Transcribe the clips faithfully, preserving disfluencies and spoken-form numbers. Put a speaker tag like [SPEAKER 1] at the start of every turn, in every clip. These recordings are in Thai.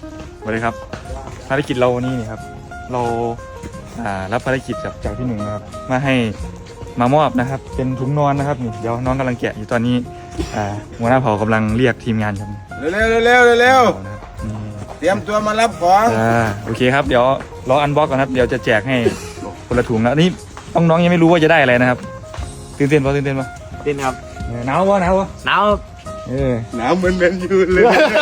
[SPEAKER 1] สวัสดีครับภารกิจเราวันนี้นี่ครับเราอ่ารับภารกิจจากจากพี่หนึ่งนะครับมาให้มามอบนะครับเป็นถุงนอนนะครับนี่เดี๋ยวน้องกำลังแกะอยู่ตอนนี้อ่าหัวหน้าเผ่ากำลังเรียกทีมงานครับ
[SPEAKER 2] เร็วเร็วเร็วเร็วเร็ว
[SPEAKER 1] นะครับนี่
[SPEAKER 2] เตรียมตัวมารับของ
[SPEAKER 1] อ่าโอเคครับเดี๋ยวรออันบ็อกก่อนครับเดี๋ยวจะแจกให้คนละถุงแล้วนี่น้องๆยังไม่รู้ว่าจะได้อะไรนะครับตื่นเต้นปะตื่นเต้นปะ
[SPEAKER 3] ดินครับ
[SPEAKER 1] เออหนาวปะหนาวปะ
[SPEAKER 3] หนาว
[SPEAKER 1] เออ
[SPEAKER 2] หนาวเหมือนเป็นยูนเลย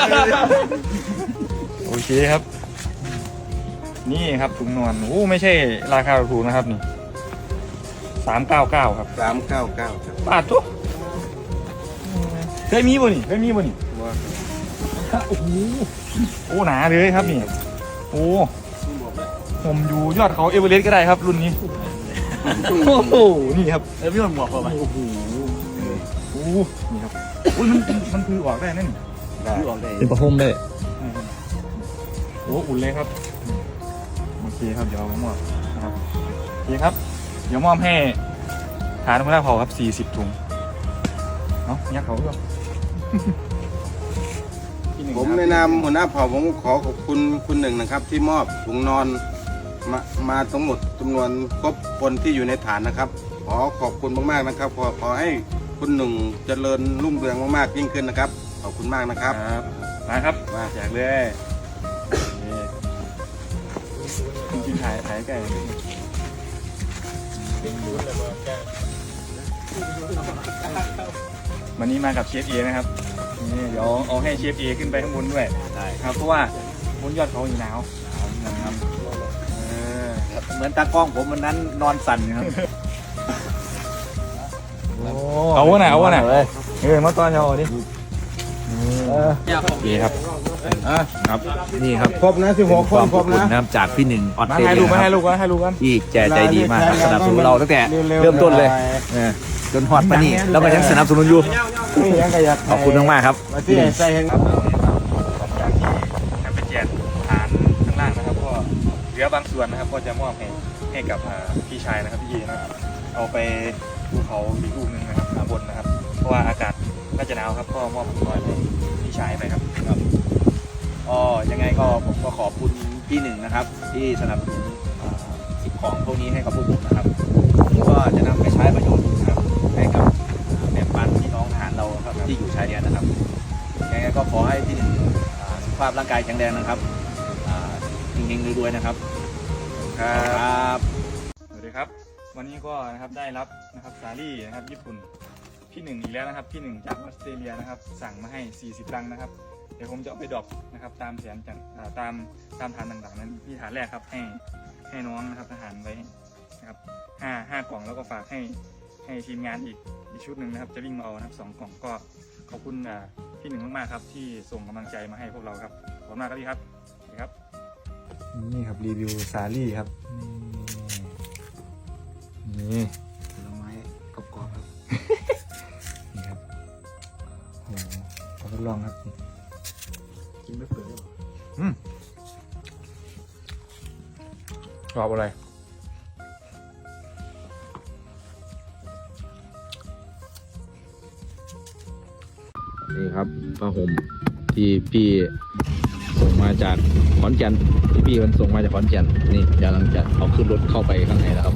[SPEAKER 1] โอเคครับนี่ครับถุงนอนโอ้ไม่ใช่ราคาถูกนะครับนี่สามเก้าเก้าครับ
[SPEAKER 2] สามเก้าเก้าครับ
[SPEAKER 1] บาททุกเคยมีบ่นี่เคยมีบ่นี่
[SPEAKER 2] ว่า
[SPEAKER 1] โอ้โหโอ้หนาเลยครับนี่โอ้ผมอยู่ยอดเขาเอเวอเรสต์ก็ได้ครับรุ่นนี้โอ้โหนี่ครับ
[SPEAKER 3] เออพี่มันหมวกป่ะไหม
[SPEAKER 1] โอ้โหโอ้โหนี่ครับอุ้ยมันมันคือออกได้นั่นนี่
[SPEAKER 3] พี่ออกได้
[SPEAKER 4] เป็นประพรมได้
[SPEAKER 1] โอ้อุ่นเลยครับโอเคครับเดี๋ยวเอามามอบนะครับโอเคครับเดี๋ยวมอบให้ฐานหัวหน้าเผ่าครับสี่สิบถุงเนาะยักเขาด้วย
[SPEAKER 2] ผมในนามหัวหน้าเผ่าผมขอขอบคุณคุณหนึ่งนะครับ ที่มอบถุงนอนมามาทั้งหมดจำนวนครบคนที่อยู่ในฐานนะครับ ขอขอบคุณมากๆนะครับ ขอขอให้คุณหนึ่งเจริญรุ่งเรืองมากๆยิ่งขึ้นนะครับขอบคุณมากนะครับ
[SPEAKER 1] ครับมาครับมาแจกเลยนี่กินถ่ายถ่ายไก่วันนี้มากับเชฟเอนะครับนี่เดี๋ยวเอาให้เชฟเอขึ้นไปข้างบนด้วย
[SPEAKER 3] ได้
[SPEAKER 1] ครับเพราะว่าบนยอดเขาอยู่หนาวนะครับเออ
[SPEAKER 3] เหมือนตากล้องผมวันนั้นนอนสั่นครับ
[SPEAKER 1] เอาวะน่ะเอาวะน่ะเออมาตอนเช้าดิดีครับ
[SPEAKER 4] ครับนี่ครับ
[SPEAKER 2] ครบนะสิบหกคนครบนะ
[SPEAKER 4] นะครับจากพี่หนึ่งออส
[SPEAKER 1] มา
[SPEAKER 4] เตร
[SPEAKER 1] ให้
[SPEAKER 4] เลี
[SPEAKER 1] ลู
[SPEAKER 4] ย
[SPEAKER 1] กมา
[SPEAKER 4] ค
[SPEAKER 1] ให้
[SPEAKER 4] รับ
[SPEAKER 1] ลูกมาให้ลูกกัน
[SPEAKER 4] ที่แจใจดีมากครับสนับสนุนเราตั้งแต่เริ่มต้นเลยเออจนฮอดปานนี้แล้วก็ยังสนับสนุนอยู่
[SPEAKER 2] นี่ยังกระยัก
[SPEAKER 4] ขอบคุณมากๆครับ
[SPEAKER 2] มาที่ใส่เห็น
[SPEAKER 1] ครับหลังจากที่ทำเป็นแจกฐานข้างล่างนะครับก็เหลือบางส่วนนะครับก็จะมอบให้ให้กับอ่าพี่ชายนะครับพี่เยนะครับเอาไปภูเขาอีกลูกหนึ่งนะครับข้างบนนะครับ เพราะว่าอากาศน่าจะหนาวครับก็มอบถุงน้อยให้พี่ชายไปครับ
[SPEAKER 3] อ๋อยังไงก็ผมก็ขอบคุณพี่หนึ่งนะครับ ที่สนับสนุนอ่าสิ่งของพวกนี้ให้กับพวกผมนะครับผมก็จะนำไปใช้ประโยชน์นะครับให้กับแบ่งปันพี่น้องทหารเราครับที่อยู่ชายแดนนะครับยังไงก็ขอให้พี่หนึ่งอ่าสุขภาพร่างกายแข็งแรงนะครับอ่าเฮงๆรวยๆนะครับ
[SPEAKER 1] ครับ
[SPEAKER 3] บ
[SPEAKER 1] สวัสดีครับ วันนี้ก็นะครับได้รับนะครับสาลี่นะครับญี่ปุ่นพี่หนึ่งอีกแล้วนะครับพี่หนึ่งจากออสเตรเลียนะครับสั่งมาให้สี่สิบลังนะครับเดี๋ยวผมจะเอาไปดรอปนะครับตามแผนจากอ่าตามตามฐานต่างๆนั้นที่ฐานแรกครับให้ให้น้องนะครับทหารไว้นะครับห้าห้ากล่องแล้วก็ฝากให้ให้ทีมงานอีกอีกชุดหนึ่งนะครับจะวิ่งมาเอานะครับสองกล่องก็ขอบคุณอ่าพี่หนึ่งมากๆครับที่ส่งกำลังใจมาให้พวกเราครับขอบคุณมากครับพี่ครับนี่ครับนี่ครับรีวิวสาลี่ครับนี่
[SPEAKER 3] ผลไม้กรอบๆครับ
[SPEAKER 1] นี่ครับโอ้โหขอทดลองครับ
[SPEAKER 3] กินไม่เปื่อยหรอ
[SPEAKER 1] อืมกรอบอะไร
[SPEAKER 4] นี่ครับผ้าห่มที่พี่ส่งมาจากขอนแก่นที่พี่มันส่งมาจากขอนแก่นนี่กำลังจะเอาขึ้นรถเข้าไปข้างในแล้วครับ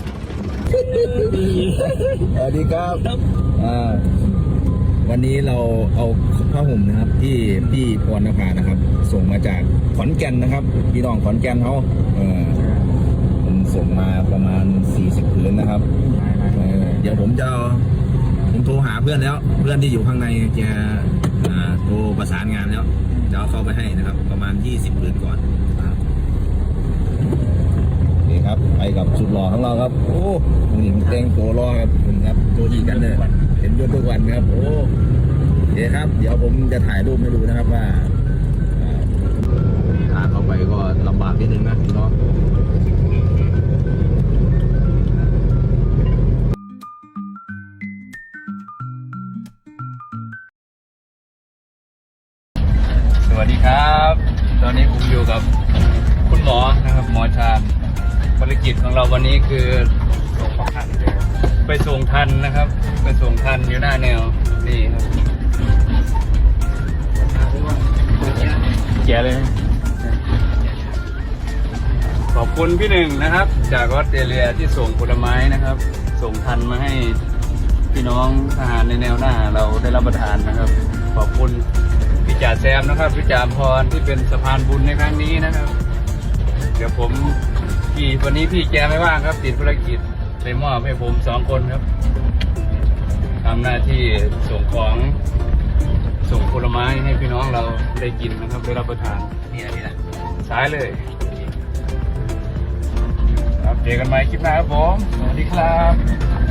[SPEAKER 4] สวัสดีครับอ่าวันนี้เราเอาผ้าห่มนะครับที่พี่พรณภานะครับ ส่งมาจากขอนแก่นนะครับพี่น้องขอนแก่นเขาเออผมส่งมาประมาณสี่สิบผืนนะครับเออเดี๋ยวผมจะเอาผมโทรหาเพื่อนแล้ว เพื่อนที่อยู่ข้างในแกอ่าโทรประสานงานแล้วจะเอาเข้าไปให้นะครับ ประมาณยี่สิบผืนก่อนนะครับนี่ครับไปกับสุดหล่อของเราครับโอ้นี่มันแต่งตัวรอครับผมครับตัวอีกกันเลยเห็นด้วยทุกวันครับโอ้เดี๋ยวครับ เดี๋ยวผมจะถ่ายรูปให้ดูนะครับว่าอ่าทางเข้าไปก็ลำบากนิดนึงนะพี่น้องสวัสดีครับ ตอนนี้ผมอยู่กับคุณหมอนะครับหมอชาญภารกิจของเราวันนี้คือส่งทันไปส่งทันนะครับ ไปส่งทันอยู่หน้าแนวนี่ครับแกเลย
[SPEAKER 5] ขอบคุณพี่หนึ่งนะครับ จากออสเตรเลียที่ส่งผลไม้นะครับ ส่งทันมาให้พี่น้องทหารในแนวหน้าเราได้รับประทานนะครับ ขอบคุณพี่จ่าแซมนะครับพี่จ่าพรที่เป็นสะพานบุญในครั้งนี้นะครับ เดี๋ยวผมพี่วันนี้พี่แกไม่ว่างครับติดภารกิจเลยมอบให้ผมสองคนครับทำหน้าที่ส่งของส่งผลไม้ให้พี่น้องเราได้กินนะครับได้รับประทาน
[SPEAKER 3] นี่นะนี่นะ
[SPEAKER 5] สายเลยครับเจอกันใหม่คลิปหน้าครับผมสวัสดีครับ